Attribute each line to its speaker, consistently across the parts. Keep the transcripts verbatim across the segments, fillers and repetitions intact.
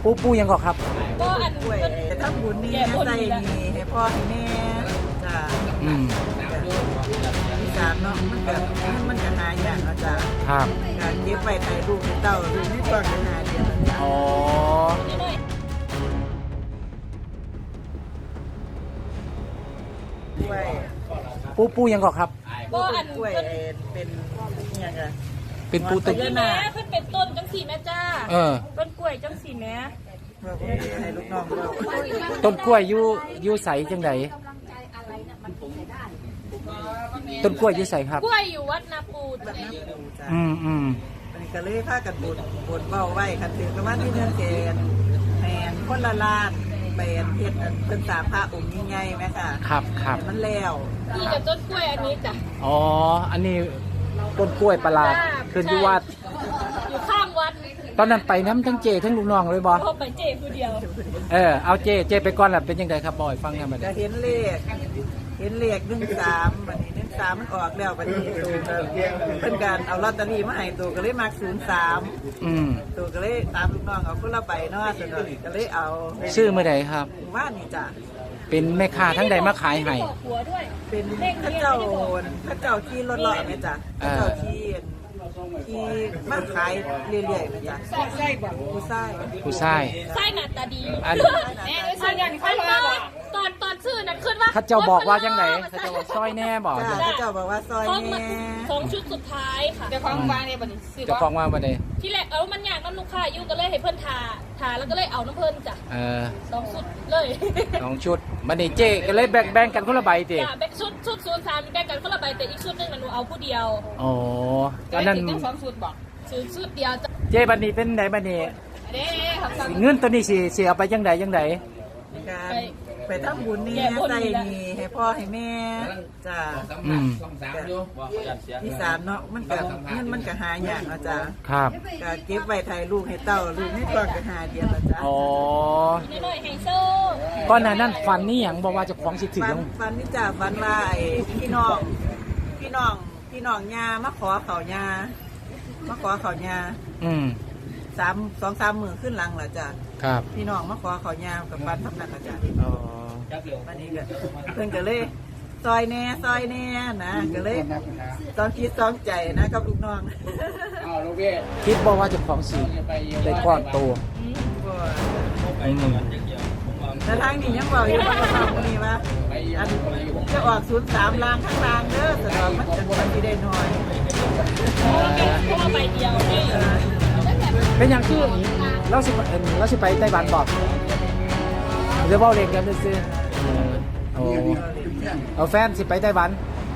Speaker 1: ปูปูยังก่อนครับ
Speaker 2: ก็อัน
Speaker 3: ป่วยถ้าบุญนี่ใส่นี่ให้พ่อให้แม่จ้า
Speaker 1: อืม
Speaker 3: อีสานเนาะมันแบบมันจะหาอย่างนะจ้า
Speaker 1: ครับ
Speaker 3: การเก็บไว้ถ่ายรูปให้เต้ารูปนี่ก็จะหาเดียวจ้า
Speaker 1: อ๋อ
Speaker 3: ป่วย
Speaker 1: ปูปูยังก่อนครับ
Speaker 2: ก็อัน
Speaker 3: ป่วยเป็นยังไง
Speaker 1: เป็นปูตึก
Speaker 2: แม่เพิ่นเป็นต้นจังสี่แม่จ้า
Speaker 1: เออ
Speaker 2: ต้นกล้วยจังสี่แม่
Speaker 3: ให้ลูกน้องเรา
Speaker 1: ต้นกล้วยอยู่อยู่ใสจังไดต้นกล้วยอยู่ใสครับ
Speaker 2: กล้วยอยู่วัดนาปูด
Speaker 1: อืมอืม
Speaker 3: มันก็เลยพากันบุญบุญเบาไว้คันถึงประมาณที่เนื่องเกณฑ์แทนคนละลานเป็นเฮ็ดเป็นสามพระองค์ใหญ่ๆไหมค่ะ
Speaker 1: ครับครับ
Speaker 3: มันแล้ว
Speaker 2: นี่กับต้นกล้วยอันนี้จ้ะ
Speaker 1: อ๋ออันนี้ต้นกล้วยประหลาดขึ้นที่วัด
Speaker 2: อยู่ข้างวัด
Speaker 1: ตอนนั้นไปน้ำทั้งเจทั้งลูกน้องเลยบอ
Speaker 2: พอไปเจผู้เดียว
Speaker 1: เออเอาเจเจไปก่อนแหละเป็นยังไงครับบอยฟังกันมา
Speaker 3: จะเห็นเลขเห็นเลขหนึ่งสามบัดนี้หนึ่งสามมันออกแล้วบัดนี้ตัวเป็นการเอาลอตเตอรี่มาให้ตัวก็เลยมาศูนย์สาม
Speaker 1: อืม
Speaker 3: ตัวก็เลยตามลูกน้องเอาคนละใบเนาะส่วนก็เลยเอา
Speaker 1: ชื่อเมื่อใดครับ
Speaker 3: ว่านี่จ้ะ
Speaker 1: เป็นแม่ค้าทั้งใดมาขายให้
Speaker 3: เป็นพระเจ้าพระเจ้าที่รถลอยเนี่ยจ้ะพระเจ้าที่ที่มาขายเรื่อยๆนะจ๊ะใช่บ่ผู้ชาย
Speaker 1: ผู้ชาย
Speaker 2: ใช่หน้าตาดี
Speaker 1: อัน
Speaker 2: ตอนตอนชื่อนั้นขึ้นว่า
Speaker 1: ข้าเจ้าบอกว่าจังไหนข้าเจ้าบอกซอยแน่บอก
Speaker 3: ข้าเจ้าบอกว่าซอยแน่
Speaker 2: สองชุดสุดท้ายค่ะจะ
Speaker 1: ฟ้องว่าเนี่ยบัดนี้จะฟ้องว่าบัดนี้
Speaker 2: ที่แรกเอามันอยากน้ำลูกค้าอยู่ก็เลยให้เพิ่นทาทาแล้วก็เลยเอาน้ำเพิ่นจ้ะ
Speaker 1: เออ
Speaker 2: สองชุดเลย
Speaker 1: สองชุดบัดนี้เจ๊ก็เลยแบ่งแบ่งกันคนละใบติ
Speaker 2: จ้ะแบ่งชุดชุดศูนย์สามแบ่งกันคนละใบแต่อีกชุดนึงหนูเอาผู้เดียว
Speaker 1: อ๋อตอนนั้น
Speaker 2: สองชุดบอกชุดชุดเดียวจ้ะ
Speaker 1: เจ๊บัดนี้เป็นไหนบัดนี้เงินตัวนี้สิสิเอาไปจังใดจังใด
Speaker 3: ไปทำบุญนี่ใส่นี่ให้พ่อให้แม่จ้า
Speaker 1: อืม
Speaker 3: ที่สามเนาะมันก็มันมันก็หาอย่างนะจ้า
Speaker 1: ครับ
Speaker 3: ก็เก็บไว้ถ่ายรูปให้เต้ารูปนี่ก็ก็หาเดียวนะจ้า
Speaker 1: อ๋อ
Speaker 2: น้อยไฮโซ
Speaker 1: ก่อนหน้านั้นฝันนี่หยังบอกว่าจะของสิถึง
Speaker 3: ฝันนี่จ้าฝันว่าไอ้พี่น้องพี่น้องพี่น้องยามาขอเขายามาขอเขายา
Speaker 1: อืม
Speaker 3: สามสองสามหมื่นขึ้นหลังละจ้ะ
Speaker 1: ครับ
Speaker 3: พี่น้องมาขอเขายากับบ้านทำนักละจ้ะ
Speaker 1: อ๋อ
Speaker 3: วันนี้ก็เพิ่นก็เลยซอยแน่ซอยแน่นะก็เลยตอนคิดต้องใจนะกับลูกน้อง
Speaker 1: คิดบอกว่าจะของสีได้ก้อนโต
Speaker 3: แต่ทางนี้ยังบอกอยู่ว่าทางนี้ว่าอันจะออกศูนย์สามลางข้างล่างเด้อแต่ว่ามันจะมันที่ได้น้อย
Speaker 2: เพราะใบเดียว
Speaker 1: เป็นอย่างที่เราสิเราสิไปไต้หวันบอกเดี๋ยวบอกเรียนกันซื้อโอ้เอาแฟนสิไปไต้หวัน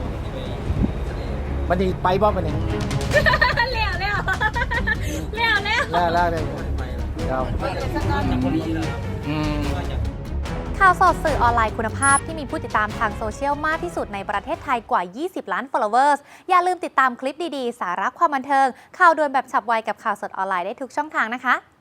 Speaker 1: วันนี้ไปบอกวันนี้
Speaker 2: แล้วแล้วแล้ว
Speaker 1: แล้วแล้วเลยเราอืม
Speaker 4: ข่าวสดสื่อออนไลน์คุณภาพที่มีผู้ติดตามทางโซเชียลมากที่สุดในประเทศไทยกว่ายี่สิบล้าน followers อย่าลืมติดตามคลิปดีๆสาระความบันเทิงข่าวด่วนแบบฉับไวกับข่าวสดออนไลน์ได้ทุกช่องทางนะคะ